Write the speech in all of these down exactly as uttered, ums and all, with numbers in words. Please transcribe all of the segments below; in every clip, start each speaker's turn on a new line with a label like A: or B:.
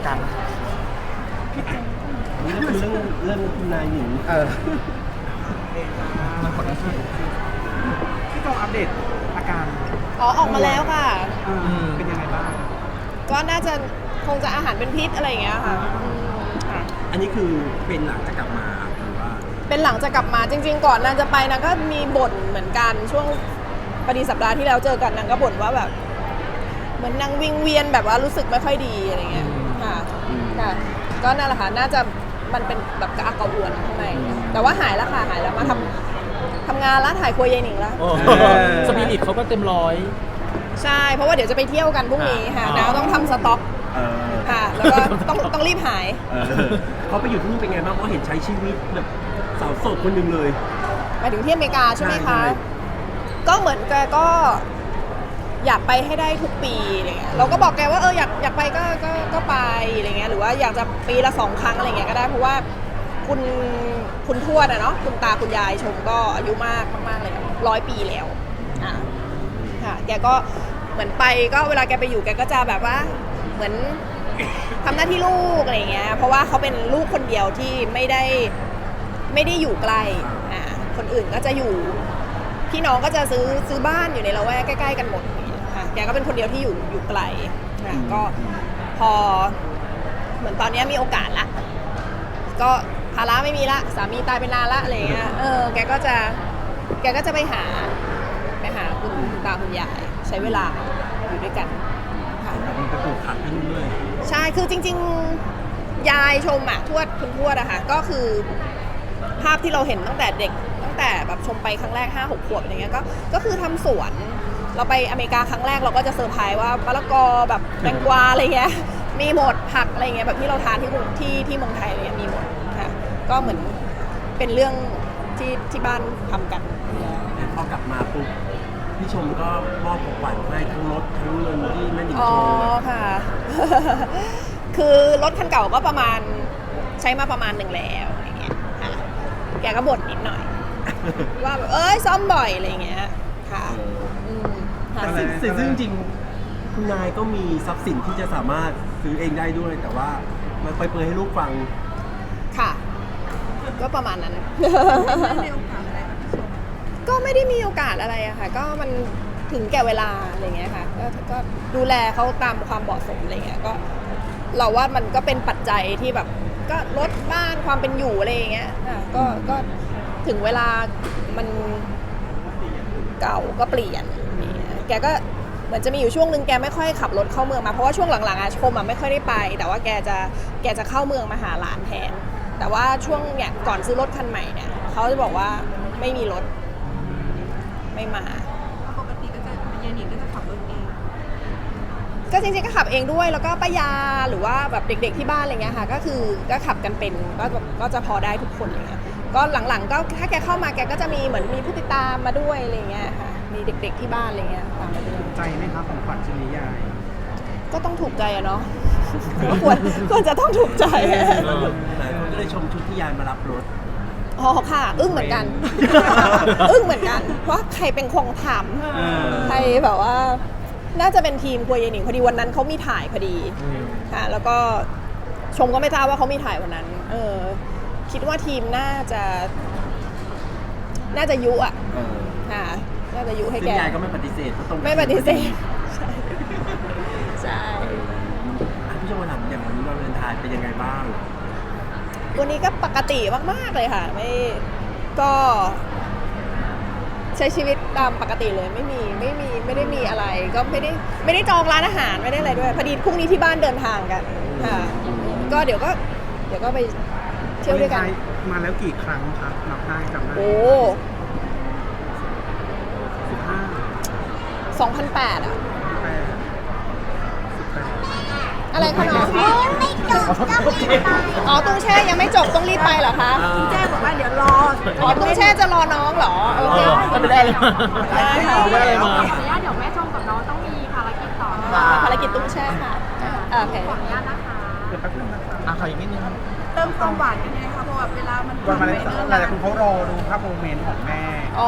A: การ
B: นี่ก็คือเรื่องเรื่องคุณนายหนิง
A: เออมันกดได้ใช่
C: พี่ต้องอัปเดตอาการ
D: อ๋อออกมาแล้วค่ะ
C: เป็นยังไงบ้าง
D: ก็น่าจะคงจะอาหารเป็นพิษอะไรอย่างเงี้ยค่ะค่ะ
B: อันนี้คือเป็นหลังจะกลับมาหรือว่า
D: เป็นหลังจะกลับมาจริงๆก่อนนางจะไปนางก็มีบ่นเหมือนกันช่วงพอดีสัปดาห์ที่แล้วเจอกันนางก็บ่นว่าแบบเหมือนนางวิงเวียนแบบว่ารู้สึกไม่ค่อยดีอะไรเงี้ยค่ะค่ะก็นั่นแหละค่ะน่าจะมันเป็นแบบกระอักกระอ่วนข้างในแต่ว่าหายแล้วค่ะหายแล้วมาทำทำงานแล้วถ่ายครัวยายหนิงแล้ว
A: สปิริตเขาก็เต็มร้อย
D: ใช่เพราะว่าเดี๋ยวจะไปเที่ยวกันพรุ่งนี้ค่ะนางต้องทำสต็อกค่ะแล้วก็ต้องต้องรีบหาย
B: เขาไปอยู่ที่นู่นเป็นไงบ้างเพราะเห็นใช้ชีวิตแบบสาวโสดคนหนึ่งเลย
D: ไปถึงที่อเมริกาใช่ไหมคะก็เหมือนแกก็อยากไปให้ได้ทุกปีอะไรเงี้ยเราก็บอกแกว่าเอออยากอยากไปก็ก็ก็ไปอะไรเงี้ยหรือว่าอยากจะปีละสองครั้งอะไรเงี้ยก็ได้เพราะว่าคุณคุณทวดอะเนาะคุณตาคุณยายชมก็อายุมากมากๆเลยร้อยปีแล้วอ่ะค่ะแกก็เหมือนไปก็เวลาแกไปอยู่แกก็จะแบบว่าเหมือนทำหน้าที่ลูกอะไรเงี้ยเพราะว่าเขาเป็นลูกคนเดียวที่ไม่ได้ไม่ได้อยู่ไกลอ่าคนอื่นก็จะอยู่พี่น้องก็จะซื้อซื้อบ้านอยู่ในละแวกใกล้ๆกันหมดค่ะแกก็เป็นคนเดียวที่อยู่อยู่ไกลค่ะก็พอเหมือนตอนนี้มีโอกาสละก็ภาระไม่มีละสามีตายไปนานละอะไรเงี้ยเออแกก็จะแกก็จะไปหาไปหาคุณตาคุณยายใช้เวลาอยู่ด้วยกันค่ะ
B: มันไปปลูกผักที่นู่นด้วย
D: ใช่คือจริงๆยายชมอ่ะทวดคุณทวดอะค่ะก็คือภาพที่เราเห็นตั้งแต่เด็กตั้งแต่แบบชมไปครั้งแรก ห้าหก ขวบอย่างเงี้ยก็ก็คือทำสวนเราไปอเมริกาครั้งแรกเราก็จะเซอร์ไพรส์ว่ามะละกอแบบแตงกวาอะไรเงี้ยมีหมดผักอะไรเงี้ยแบบที่เราทานที่ที่ที่เมืองไทยเนี่ยมีหมดค่ะก็เหมือนเป็นเรื่องที่ที่บ้านทำกัน
B: พอกลับมาปุ๊บพี่ชมก็มอบของขวัญให้ทั้งรถทั้งเงินที่แม่หนิงโชว์
D: อ๋อค่ะ คือรถคันเก่าก็ประมาณใช้มาประมาณหนึ่งแล้วอะไรเงี้ยค่ะแกก็บ่นนิดหน่อยว่าแบบเอ้ยซ่อมบ่อยอะไรเงี้ยค่ะ
B: แต่สิ่งซึ่งจริงคุณนายก็มีทรัพย์สินที่จะสามารถซื้อเองได้ด้วยแต่ว่าไม่ค่อยเปิดให้ลูกฟัง
D: ค่ะก็ประมาณนั้นก็ไม่ได้มีโอกาสอะไรอะค่ะก็มันถึงแก่เวลาอะไรเงี้ยค่ะก็ก็ดูแลเขาตามความเหมาะสมอะไรเงี้ยก็เราว่ามันก็เป็นปัจจัยที่แบบก็ลดบ้านความเป็นอยู่อะไรเงี้ยอ่ะก็ก็ถึงเวลามันเก่าก็เปลี่ยนแกก็เหมือนจะมีอยู่ช่วงนึงแกไม่ค่อยขับรถเข้าเมืองมาเพราะว่าช่วงหลังๆอะชมอะไม่ค่อยได้ไปแต่ว่าแกจะแกจะเข้าเมืองมาหาหลานแทนแต่ว่าช่วงเนี่ยก่อนซื้อรถคันใหม่เนี่ยเขาจะบอกว่าไม่มีรถไม่มา
E: ปกติก็จะเย็นๆก็จะขับรถเอง
D: ก็จริงๆก็ขับเองด้วยแล้วก็ป้ายาหรือว่าแบบเด็กๆที่บ้านอะไรเงี้ยค่ะก็คือก็ขับกันเป็นก็ก็จะพอได้ทุกคนอะไรเงี้ยก็หลังๆก็ถ้าแกเข้ามาแกก็จะมีเหมือนมีผู้ติดตามมาด้วยอะไรเงี้ยค่ะมีเด็กๆที่บ้านอะไรเงี้ยตามมาด้วย
C: ใจไหมครับของขวัญชิ้นนี้ยาย
D: ก็ต้องถูกใจอะเนาะก็ควรควรจะต้องถูกใจ
B: หลายคนก็เลยชมชุดที่ยายมารับรถ
D: อ๋อค่ะอึ้งเหมือนกันอึ้งเหมือนกันว่าใครเป็นคงถามใครแบบว่าน่าจะเป็นทีมครัวยายหนิงพอดีวันนั้นเขามีถ่ายพอดีค่ะแล้วก็ชมก็ไม่ทราบว่าเขามีถ่ายวันนั้นเออคิดว่าทีมน่าจะน่าจะยุอ่ะค่ะน่าจะยุให้แก
B: ยายก็ไม่ปฏิเสธตรง
D: ไม่ปฏิเสธใช่
B: พี่ชมมาถามอย่างวันนี้วันวาเลนไทน์เป็นยังไงบ้าง
D: วันนี้ก็ปกติมากๆเลยค่ะไม่ก็ใช้ชีวิตตามปกติเลยไม่มีไม่มีไม่ได้มีอะไรก็ไม่ได้ไม่ได้จองร้านอาหารไม่ได้อะไรด้วยพอดีพรุ่งนี้ที่บ้านเดินทางกันค่ะก็เดี๋ยวก็เดี๋ยวก็ไปเที่ยวด้วยกัน
C: มาแล้วกี่ครั้งครับนับได้จำได้
D: โอ้
C: สิบห้า
D: สองพันแปดอ่ะอะไรคะน้องไม่จบอ๋อตุ้งแช่ยังไม่จบต้องรีบไปเหรอคะ
E: ตุ้งแช่บอกว่าเดี๋ยวรอ
D: อ๋อตุ้งแช่จะรอน้องเหรอโอเค
A: ไม่ได้เลย
D: ได้ค่ะ
A: ไม่ได้เลยมา
E: ขออนุญาตเดี๋ยวแม่ชมกับน้องต้องมีภารกิจต่อ
D: ภารกิจตุ้งแช่ค่ะโอเค
E: ขออนุญาตนะคะ
C: เดี๋ยวแป๊บนึงนะคะ
A: อ่ะขออีกนิดนึงครับ
E: เติมความหวานกันยังไงคะเพราะว่าเวลามัน
C: วันมาเลยหลายคนเขารอดูภาพโมเมนต์ของแม่
D: อ๋อ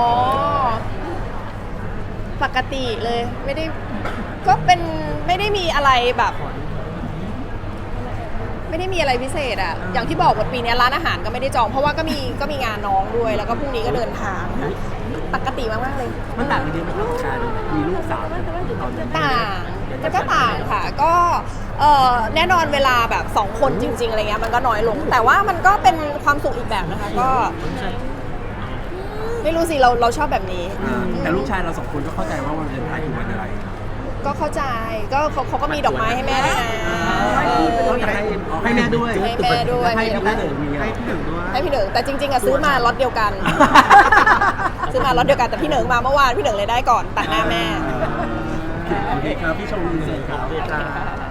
D: ปกติเลยไม่ได้ก็เป็นไม่ได้มีอะไรแบบไม่ได้มีอะไรพิเศษอะอย่างที่บอกว่าปีนี้ร้านอาหารก็ไม่ได้จอง เพราะว่าก็มีก็มีงานน้องด้วย แล้วก็พรุ่งนี้ก็เดินทางค่ะปกติมากๆเลย
B: มันต่างกันเยอะไหมครับกับการมีลูกสาวตอนนี้
D: ต่างมันก็ต่างค่ะ ก็เอ่อแน่นอนเวลาแบบสองคนจริง ๆอะไรเงี้ยมันก็น้อยลง แต่ว่ามันก็เป็นความสุขอีกแบบนะคะ ก็ไม่รู้สิเราเราชอบแบบนี้
B: อ่าแต่ลูกชายเราสองคนก็เข้าใจว่าวันวาเลนไทน์คือวันอะไร
D: ก็เข้าใจก็เขาเขาก็มีดอกไม้ให้แม่ด้วยนะ
B: ก็อยากให้เอาให้แม่ด้วย
D: ให้แม่ด้วย
B: ให้พี่แม่หนึ่งมีไง
C: ให้พี่หนึ่งด้วย
D: ให้พี่เหนิงแต่จริงๆอะซื้อมาล็อตเดียวกัน ซื้อมาล็อตเดียวกันแต่พี่เหนิงมาเมื่อวานพี่เหนิงเลยได้ก่อนตัดหน้าแม่
B: โอเคครับพี่ชมดีเซนครับ
C: จ้า